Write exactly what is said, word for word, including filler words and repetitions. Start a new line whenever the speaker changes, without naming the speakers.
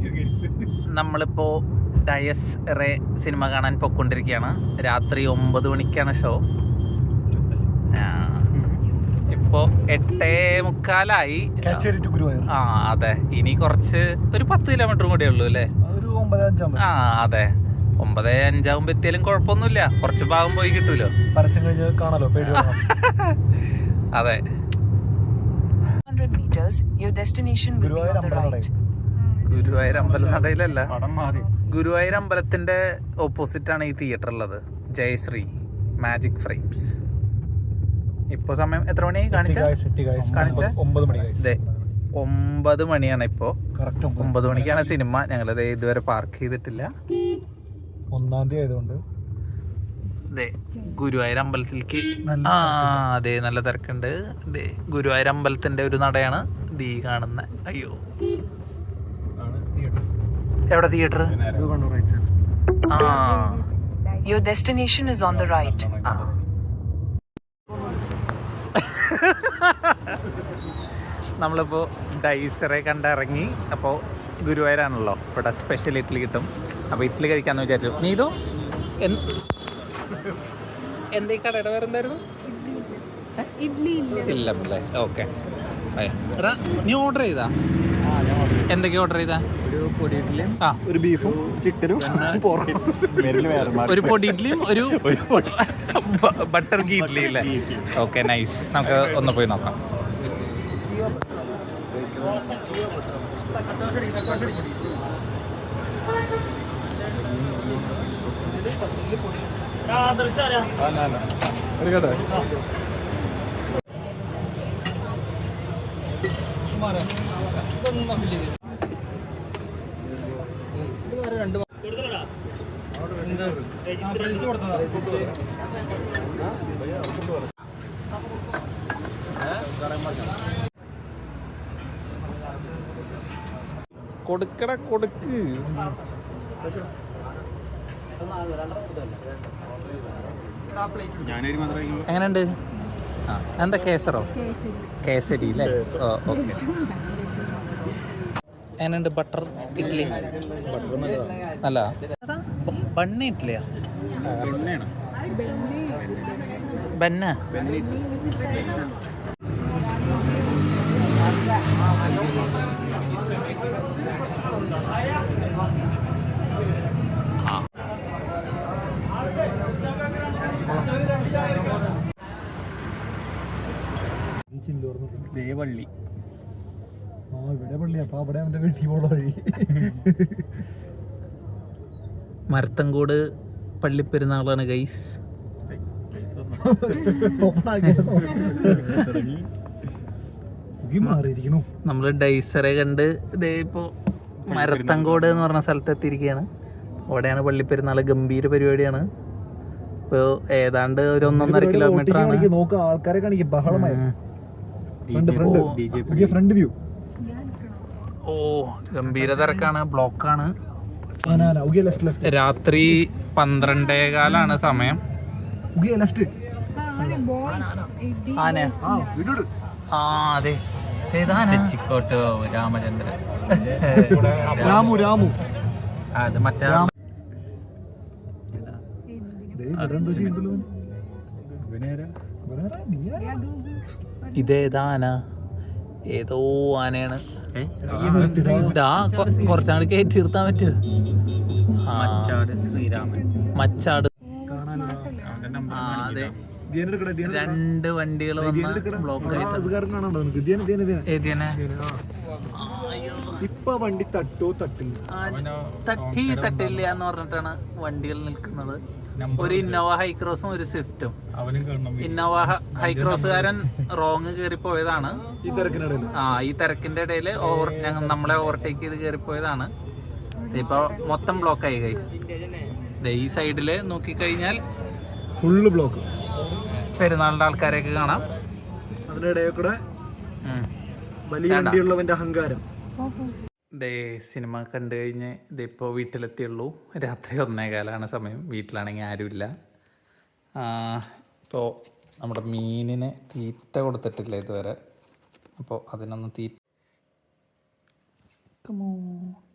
നമ്മളിപ്പോൾ Diaz ray cinema കാണാൻ പൊയ്ക്കൊണ്ടിരിക്കുകയാണ്. രാത്രി ഒമ്പത് മണിക്കാണ് ഷോ. ഇപ്പോൾ എട്ടേ മുക്കാലായി. ആ അതെ, ഇനി കുറച്ച് ഒരു പത്ത് കിലോമീറ്ററും കൂടെ ഉള്ളൂ അല്ലേ? ആ അതെ, ഒമ്പത് അഞ്ചാകുമ്പോൾ എത്തിയാലും കുഴപ്പമൊന്നുമില്ല. കുറച്ച് ഭാഗം പോയി കിട്ടൂലോ.
പരസ്യം കഴിഞ്ഞ് കാണാലോ.
അതെ, ഗുരുവായൂർ അമ്പലനടയിലല്ല, ഗുരുവായൂർ അമ്പലത്തിന്റെ ഓപ്പോസിറ്റ് ആണ് ഈ തിയേറ്റർ ഉള്ളത്. Jayashree magic frames. ഇപ്പൊ സമയം എത്ര മണി കാണിച്ച? ഒമ്പത് മണിയാണ് ഇപ്പോ. ഒമ്പത് മണിക്കാണ് സിനിമ. ഞങ്ങളത് ഇതുവരെ പാർക്ക് ചെയ്തിട്ടില്ല.
ഒന്നാം തീയതി ആയതുകൊണ്ട്
ഗുരുവായൂർ അമ്പലത്തിലേക്ക്. ആ അതെ, നല്ല തിരക്കുണ്ട്. ഇതേ ഗുരുവായൂർ അമ്പലത്തിന്റെ ഒരു നടയാണ് ദീ കാണുന്ന. അയ്യോ, എവിടെ തിയേറ്റർ? ആ,
Your destination is on the right.
നമ്മളിപ്പോൾ ഡൈസറെ കണ്ടിറങ്ങി. അപ്പോൾ ഗുരുവായൂരാണല്ലോ, ഇവിടെ സ്പെഷ്യൽ ഇഡ്ഡലി കിട്ടും. അപ്പോൾ ഇഡ്ഡലി കഴിക്കാമെന്ന് വിചാരിച്ചു. നീതു എന്തേ കടയുടെ വേറെ എന്തായിരുന്നു? ഇല്ലല്ലേ? ഓക്കെ. നീ ഓർഡർ ചെയ്താ? എന്തൊക്കെയാ ഓർഡർ ചെയ്താ?
ഒരു പൊടി ഇഡ്ഡലിയും
ആ
ഒരു ബീഫും ചിക്കനും
ഒരു പൊടി ഇഡ്ഡലിയും ഒരു ബട്ടർ ഗീ ഇഡ്ഡലി അല്ലേ? Okay, nice. നമുക്ക് ഒന്ന് പോയി നോക്കാം. കൊടുക്കട കൊടുക്ക്. എങ്ങനെയുണ്ട്? ആ, എന്താ കേസറോ? കേസരി അല്ലേ? ഓ ഓക്കെ. എങ്ങനെയുണ്ട് ബട്ടർ ഇഡ്ഡലി? അല്ല, ബണ്ണ ഇഡ്ഡലിയാ? ബന്ന.
ദേവള്ളി. ആ ഇവിടെ പള്ളി. അപ്പൊ അവിടെ അവന്റെ വീട്ടിൽ പോണ വഴി.
മരത്തങ്കോട് പള്ളിപ്പെരുന്നാളാണ് ഗൈസ്. നമ്മള് ഡൈസറെ കണ്ട് ഇതേ ഇപ്പോ മരത്തങ്കോട് എന്ന് പറഞ്ഞ സ്ഥലത്ത് എത്തിയിരിക്കുകയാണ്. അവിടെയാണ് പള്ളിപ്പെരുന്നാൾ. ഗംഭീര പരിപാടിയാണ്. ഇപ്പോൾ ഏതാണ്ട് ഒരു ഒന്നൊന്നര കിലോമീറ്റർ ആണ്.
ആൾക്കാരെ കാണിക്കും. ബഹളമായി. Front view.
ഓ, ഗംഭീര തിരക്കാണ്, ബ്ലോക്കാണ്. രാത്രി പന്ത്രണ്ടേകാലാണ് സമയം. ആ അതെ, ചിക്കോട്ട് രാമചന്ദ്രൻ.
രാമു രാമു
അത് മറ്റേ ഇതേതാന? ഏതോ ആനയാണ്. കുറച്ചാണ് കയറ്റി നിർത്താൻ പറ്റുമോ? മച്ചാട് ശ്രീരാമൻ. മച്ചാട്. ആ അതെ, രണ്ട് വണ്ടികൾ വന്ന് ബ്ലോക്ക്
ഇപ്പൊ വണ്ടി തട്ടോ തട്ടില്ല.
തട്ടി തട്ടില്ല എന്ന് പറഞ്ഞിട്ടാണ് വണ്ടികൾ നിൽക്കുന്നത്. ഒരു ഇന്നോവ ഹൈക്രോസും ഒരു സ്വിഫ്റ്റും. Innova ഹൈക്രോസുകാരൻ wrong കയറിപ്പോയതാണ്. ആ ഈ തിരക്കിന്റെ ഇടയിൽ ഓവർ ഞങ്ങൾ നമ്മളെ ഓവർടേക്ക് ചെയ്ത് കയറിപ്പോയതാണ്. ഇപ്പൊ മൊത്തം ബ്ലോക്കായി ഗൈസ്. ഈ സൈഡില് നോക്കിക്കഴിഞ്ഞാൽ
ഫുള്ള് ബ്ലോക്ക്.
പെരുന്നാളിന്റെ ആൾക്കാരെയൊക്കെ കാണാം.
അതിനിടയിൽ കൂടെ വലിയ വണ്ടിയുള്ളവന്റെ അഹങ്കാരം.
ദേ സിനിമ കണ്ടു കഴിഞ്ഞ് ഇതിപ്പോൾ വീട്ടിലെത്തിയുള്ളൂ. രാത്രി ഒന്നേകാലാണ് സമയം. വീട്ടിലാണെങ്കിൽ ആരുമില്ല. ഇപ്പോൾ നമ്മുടെ മീനിന് തീറ്റ കൊടുത്തിട്ടില്ല ഇതുവരെ. അപ്പോൾ അതിനൊന്ന് തീറ്റ